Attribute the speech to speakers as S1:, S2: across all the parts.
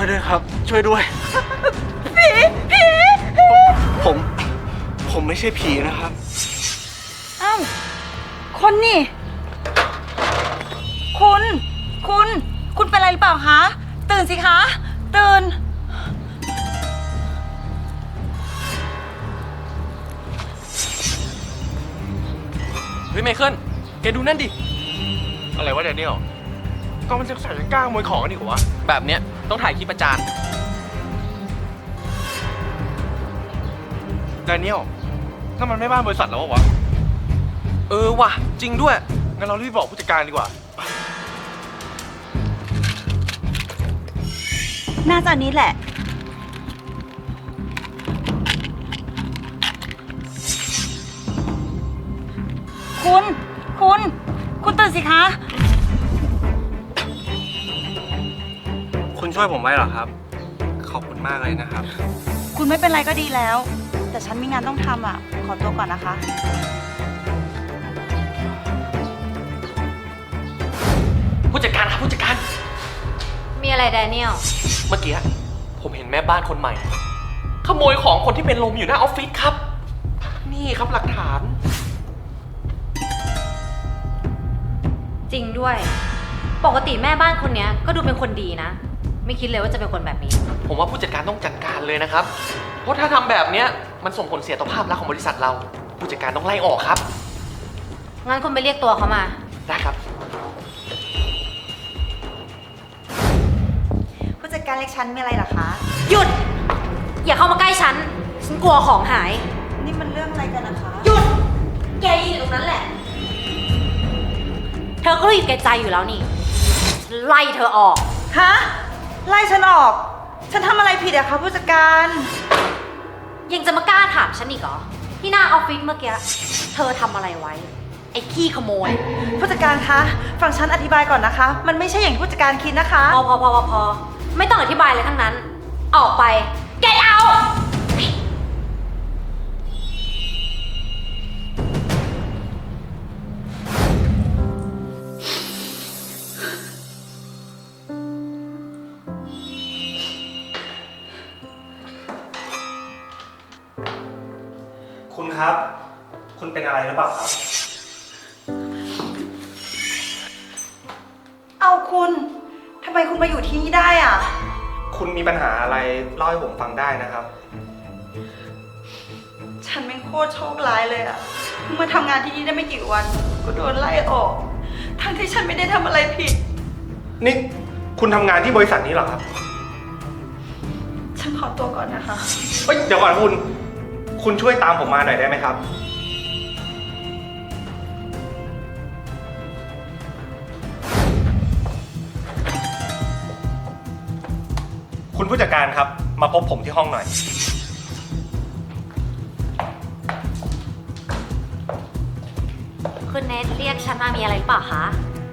S1: วยด้วยครับ ช่วยด้วย
S2: ผี
S1: ผมไม่ใช่ผีนะครับ
S2: อ้าวคนนี่ คุณเป็นอะไรหรือเปล่าคะ ตื่นสิคะ ตื่น
S3: เฮ้ยไมเคิลแกดูนั่นดิ
S1: อะไรวะแดเนียลก็มันจะใส่จะกล้าขโมยของกันดีกว่า
S3: แบบเนี้ยต้องถ่ายคลิปประจาน
S1: แดเนียลนั่นมันไม่บ้านบริษัทแล้ววะ
S3: เออว่ะจริงด้วย
S1: งั้นเรารีบบอกผู้จัดการดีกว่า
S2: น่าจะอันนี้แหละ คุณตื่นสิคะ
S1: คุณช่วยผมไว้เหรอครับ ขอบคุณมากเลยนะครับ
S2: คุณไม่เป็นไรก็ดีแล้ว แต่ฉันมีงานต้องทำอ่ะ ขอตัวก่อนนะคะ
S3: ผู้จัดการครับผู้จัดการ
S4: มีอะไรแดเนียล
S3: เมื่อกี้ผมเห็นแม่บ้านคนใหม่ ขโมยของคนที่เป็นลมอยู่หน้าออฟฟิศครับ นี่ครับหลักฐาน
S4: จริงด้วย ปกติแม่บ้านคนเนี้ยก็ดูเป็นคนดีนะ ไม่คิดเลยว่าจะเป็นคนแบบนี้
S3: ผมว่าผู้จัดการต้องจัดการเลยนะครับ เพราะถ้าทำแบบเนี้ยมันส่งผลเสียต่อภาพลักษณ์ของบริษัทเรา ผู้จัดการต้องไล่ออกครับ
S4: งั้นคุณไปเรียกตัวเขามา
S3: ได้ครับ
S2: ผู้จัดการเล็กฉันมีอะไรเหรอคะ
S4: หยุด อย่าเข้ามาใกล้ฉัน ฉันกลัวของหาย
S2: นี่มันเรื่องอะไรกันนะคะ
S4: หยุด แกยืนอยู่ตรงนั้นแหละ เธอก็รู้อยู่แก่ใจอยู่แล้วนี่ ฉันไล่เธอออก
S2: ฮะ ไล่ฉันออก ฉันทำอะไรผิดอะคะผู้จัดการ
S4: ยังจะมากล้าถามฉันอีกเหรอ ที่หน้าออฟฟิศเมื่อกี้ เธอทำอะไรไว้ ไอ้ขี้ขโมย
S2: ผู้จัดการคะ ฟังฉันอธิบายก่อนนะคะ มันไม่ใช่อย่างที่ผู้จัดการคิดนะคะ
S4: พอ ไม่ต้องอธิบายเลยทั้งนั้น ออกไป get out
S1: คุณครับ คุณเป็นอะไรหรือเปล่าครับ
S2: เอาคุณ ทำไมคุณมาอยู่ที่นี่ได้อะ
S1: คุณมีปัญหาอะไรเล่าให้ผมฟังได้นะครับ
S2: ฉันเป็นโคตรโชคร้ายเลยอะเพิ่งมาทำงานที่นี่ได้ไม่กี่วัน ก็โดนไล่ออก ทั้งที่ฉันไม่ได้ทำอะไรผิด
S1: นี่คุณทำงานที่บริษัทนี้เหรอครับ
S2: ฉันขอตัวก่อนนะคะ
S1: เฮ้ยเดี๋ยวก่อนคุณช่วยตามผมมาหน่อยได้ไหมครับ คุณผู้จัดการครับ มาพบผมที่ห้องหน่อย
S4: คุณเนทเรียกฉันมามีอะไรหรือเปล่าคะ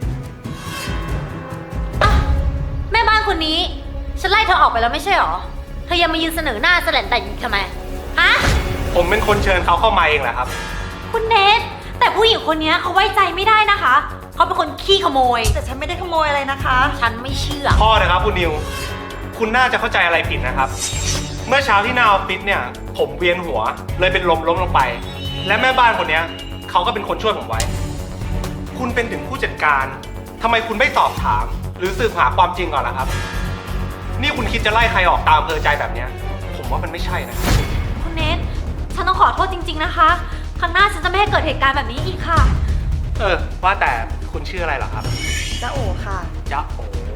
S4: อ่ะแม่บ้านคนนี้ ฉันไล่เธอออกไปแล้วไม่ใช่หรอ เธอยังมายืนเสนอหน้าแสลนแต่อยู่ทำไม ฮะ
S1: ผมเป็นคนเชิญเขาเข้ามาเองแหละครับ
S4: คุณเนทแต่ผู้หญิงคนนี้เขาไว้ใจไม่ได้นะคะ เขาเป็นคนขี้ขโมย
S2: แต่ฉันไม่ได้ขโมยอะไรนะคะ
S4: ฉันไม่เชื่อ
S1: พ่อนะครับคุณนิว คุณน่าจะเข้าใจอะไรผิดนะครับ เมื่อเช้าที่หน้าออฟฟิศเนี่ย ผมเวียนหัว เลยเป็นล้มลงไป และแม่บ้านคนเนี้ยเขาก็เป็นคนช่วยผมไว้ คุณเป็นถึงผู้จัดการทำไมคุณไม่สอบถาม หรือสืบหาความจริงก่อนล่ะครับ นี่คุณคิดจะไล่ใครออกตามอำเภอใจแบบเนี้ยผมว่ามันไม่ใช่นะ
S4: คุณเนทฉันต้องขอโทษจริง ๆนะคะ ครั้งหน้าฉันจะไม่ให้เกิดเหตุการณ์แบบนี้อีกค่ะ
S1: ว่าแต่คุณชื่ออะไรเหรอครับ
S2: จ้าโอค่ะ
S1: จ๊ะโอ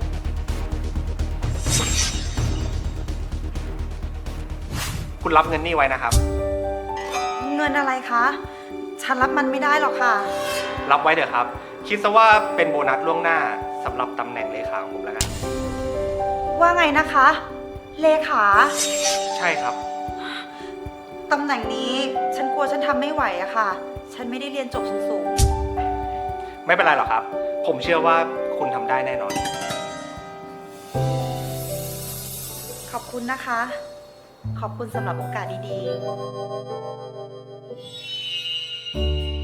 S1: คุณรับเงินนี่ไว้นะครับ
S2: เงินอะไรคะ ฉันรับมันไม่ได้หรอกค่ะ
S1: รับไว้เถอะครับ คิดซะว่าเป็นโบนัสล่วงหน้าสำหรับตำแหน่งเลขาของผมแล้วกัน
S2: ว่าไงนะคะ เลขา
S1: ใช่ครับ
S2: ตำแหน่งนี้ฉันกลัวฉันทำไม่ไหวอะค่ะ ฉันไม่ได้เรียนจบสูง
S1: ไม่เป็นไรหรอกครับ ผมเชื่อว่าคุณทำได้แน่นอน
S2: ๆ ขอบคุณนะคะ ขอบคุณสำหรับโอกาสดีๆ